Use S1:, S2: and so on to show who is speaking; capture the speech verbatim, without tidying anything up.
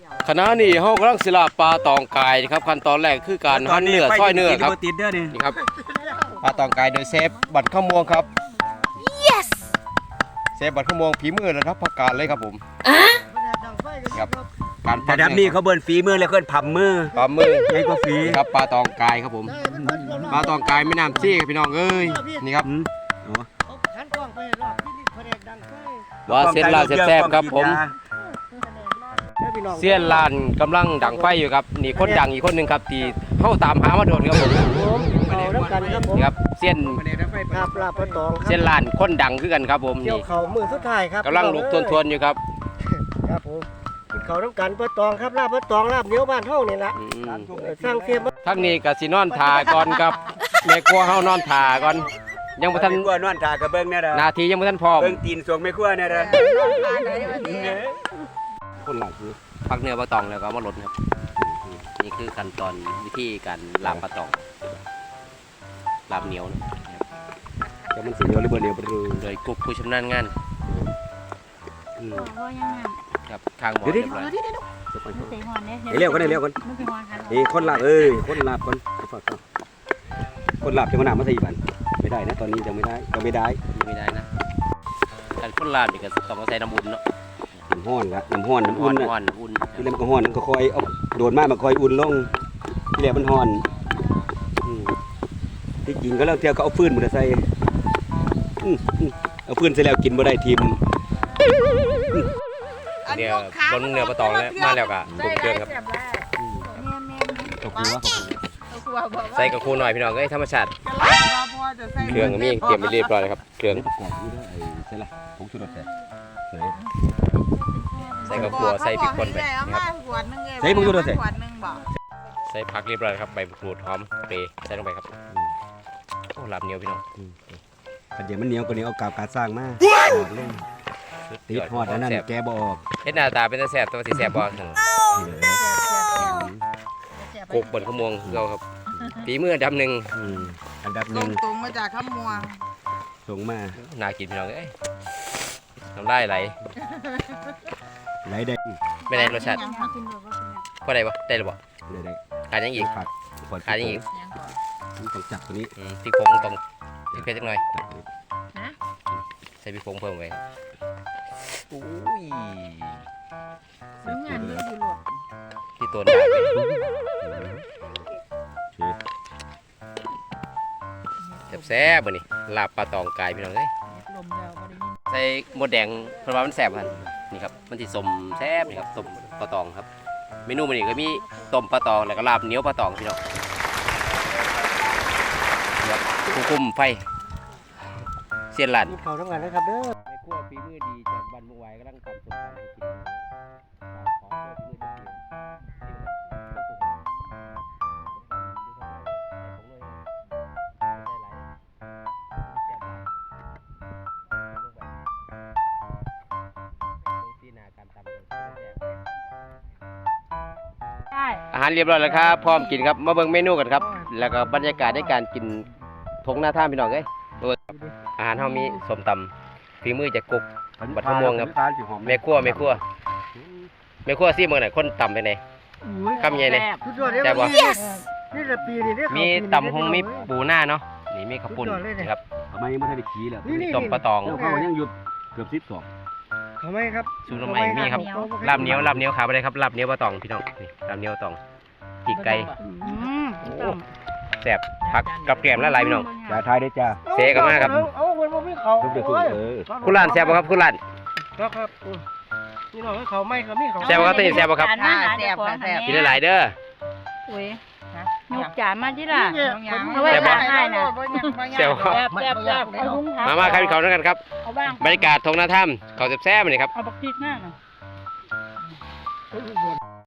S1: ขณะนี้เฮากำลังสิลาบปลาตองกายครับขั้นตอนแรกคือการหั่นเนื้อซอยเนื้อครับนี่ครับปลาตองกายโดยเชฟบัตรข้าวม่วงครับ
S2: yes
S1: เชฟบัตรข้าวม่วงฝีมือระดับพักการเลยครับผมครับการ
S3: ระดับนี้เขาเบิ้ลฝีมือแล้วเพิ่นผับมือ
S1: ปลามือ
S3: ใหญ่กว่าฝี
S1: ครับปลาตองกายครับผมปลาตองกายไม่น้ำซี่ครับพี่น้องเอ้ยนี่ครับว่าเส้นลานแซ่บๆครับผมเสี้ยนลานกำลังดังไฟอยู่ครับนี่คนดังอีกคนหนึ่งครับที่เข้าตามหามาโดนครับผมนี่ครับเสี้ยน
S4: ครับลาบปลาตอง
S1: เสี้ยนลานคนดังคือกันครับผม
S4: เกี่ย
S1: นี่
S4: วเขามือสุดท้ายครับ
S1: กำลังลุกทวนๆอยู่ครับ
S4: ครับผมกินเขาน้ำกันปลาตองครับลาบปลาตองลาบเหนียวบ้านเท่านี่ละ
S1: อืม
S4: สร้างเทียม
S1: ทั้งนี้ก็สินอนทาก่อนครับแม่ครัวเฮานอนทาก่อนยังบ่ทัน
S3: กลัวนอนทากระเบิ้งเนี่ยเด้อ
S1: นาทียังบ่ทันพร้อม
S3: เบิ้งตีนสวงไม่กลัวเนี่ยเด้อ
S1: คนหลังคือพักเนื้อปลาตองแล้วก็เอามาลดครับนี่คือขั้นตอนวิธีการลาบปลาตองลาบเหนียวนะครับ
S3: จะมันสิเหนียวหรือบ่เหนียวบ่รู้
S1: โดยกุ๊กผู้ชำนาญงาน
S3: อืม
S2: ก็ยังไง
S1: ครับข้างหมอเรียบร้อย
S2: เตะหอนเนี่ย
S3: เร็วกันเร็วกัน
S2: ไม่เป็นหอนกัน
S3: นี่คนลาบเอ้ยคนลาบคนฝากคนลาบจะมาหนามาสี่บันไม่ได้นะตอนนี้ยังไม่ได้ยังไม่ได้
S1: ไม่ได้นะการคนลาบนี่ก็ต้องเอาใส่น้ำอุ่นเนาะ
S3: น้ำห้อนละน้ำห้อนน้ำ
S1: อ่
S3: อุ่
S1: อน น
S3: นะ
S1: อ่อนอุ่น
S3: ที่เล่มนก็ห้อนมันก็คอยเอาโดนมากมันคอยอุ่นลงที่เหลือมันห้อนอืมที่จริงก็เลิกเที่ยวก็เอาฟืนมาใส่อืมอืมเอาฟืนใส่แล้วกินบ่ได้ทีม
S1: เดี๋ยวบนเนื้อปลาตองแล้วมาแล้วก็ปรุงเครื่องครับ
S3: ตกหัวตกหัว
S1: ใส่กระคูหน่อยพี่น้องเอ้ยธรรมชาติเครื่องก็มีเตรียมไปเรียบร้อยแล้วครับเครื่อง
S3: ประกอบนี่ด้วยไอ้ใช่ละผงชูรสแต่เสย
S1: ใส่กระคัวใส่พริกป่นไปนะครับ
S3: ใส่ผงชูรสแต่
S1: ใส่ผักเรียบร้อยแล้วครับใบมะกรูดหอมเปรย์ใส่ลงไปครับโอ้ลาบเหนียวพี่น้อง
S3: แต่เดี๋ยวมันเหนียวกว่านี้เอากาบการสร้างมาติดหอดอันนั้นแกบออก
S1: เฮ็ดหน้าตาเป็นตาแซ่บแต่ว่าสิแซ่บบ่ซั่นกุ๊กบนขมวงคือเราครับฝีมืออันดับหนึ่ง
S3: อืมอันดับห
S5: ตร
S3: นึ่
S5: ง
S3: ง
S5: ตรงมาจากข้ามมัว
S3: ส่งมา
S1: น่ากินพี่น้องเอ้ยน้ำลายไหล
S3: ไหลได้
S1: ไม่ได้รสชาติ
S2: ยังกินหรือว่า
S1: พอได้บ่ได้หรือบ่
S3: เลยได้
S1: ขาดยังอีก
S3: ขาด
S1: ขาดยังอีก
S3: ต้องจับตัวนี้
S1: อืมพริกผงต้องพริกเผ็ดจักหน่อย
S3: จับตัวนี้
S1: ใส่พริกผงเพิ่มไปอุ้ย
S3: เสร็จ
S2: งาน
S3: เล
S2: เย
S3: ย
S2: อะอยู่หรอก
S1: ที่ตัวหนาไปแซ่บๆมื้อนี้ลาบปลาตองกายพี่น้องเอ้ย
S2: ลมยาวก็ได้ยิน
S1: ใส่หมดแดงเพราะว่ามันแซ่บครับนี่ครับมันสิสมแซ่บนี่ครับต้มปลาตองครับเมนูมื้อนี้ก็มีต้มปลาตองแล้วก็ลาบเหนียวปลาตองพี่น้องครับคุมไฟเสียนหลาน
S4: กินเขาน้ำกันนะครับเด้อ
S1: ในครัวฝีมือดีจากบ้านมุงไว้กำลังทำส้มตำให้กินขอตัวฝีมือจะเปลี่ยน
S2: ได้
S1: อาหารเรียบร้อยแล้วครับพร้อมกินครับมาเบิ่งเมนูกันครับแล้วก็บรรยากาศในการกินทงหน้าท่าพี่น้องเอ้ยอาหารเฮามีส้มตำฝีมือจากกุ๊ก บัดมะม่วงครับ แม่ครัวแม่ครัวแม่ครัวซี่เมืองไหนคนต่ำไปไหน คำใหญ่เลย
S4: สุดยอดเลย
S1: แซ่บบ่
S4: นี่แหละปีนี้เนี่ย
S1: มีตำหงมีปูหน้าเนาะนี่มีข้าวปุ้นนะครับ
S3: ทำไมยังไม่ได้ไปขี่แล้ว
S4: นี่นี่
S1: ต้มปลาตอง
S3: เขายังหยุดเกือบสิบสอง
S4: เขาไหมครับ
S1: สูตรใหม่มีครับลาบเหนียวลาบเหนียวขาไปเลยครับลาบเหนียวปลาตองพี่น้องนี่ลาบเหนียวปลาตองปีกไก่
S2: อืม
S1: แซ่บผักกับแกล้มละลายพี่น้อง
S3: ยาไทยได้จ้า
S1: เสกกันมากครับ
S4: เอาคนบ่มีเขา
S3: ทุกเดือนทุกเออ
S1: คุณหลานแซ่บบ่ครับคุณหลาน
S4: ครับครับนี่น้องเขาไม่เขามีเขา
S1: แซ่บบ่ครับตัวนี้แซ่บบ่ครับ
S2: จานมาหาเจ้าของหัน
S1: กินหลายๆเด้อ
S2: อุ้ยยกจานมาที่ล่ะ
S5: เอาไว้
S1: แซ่บบ่
S5: ให้โลดบ่ยังบ่ยัง
S1: แซ่บบ่
S2: แซ่บแซ่บแซ่บเอาหุ้ง
S1: มามาครับพี่เขาด้วยกันครับ
S2: เอาบ้าง
S1: บรรยากาศทงหน้าถ้ำเขาแซ่บๆมานี่ครับ
S2: เอาบักพริกหน้าหน่อย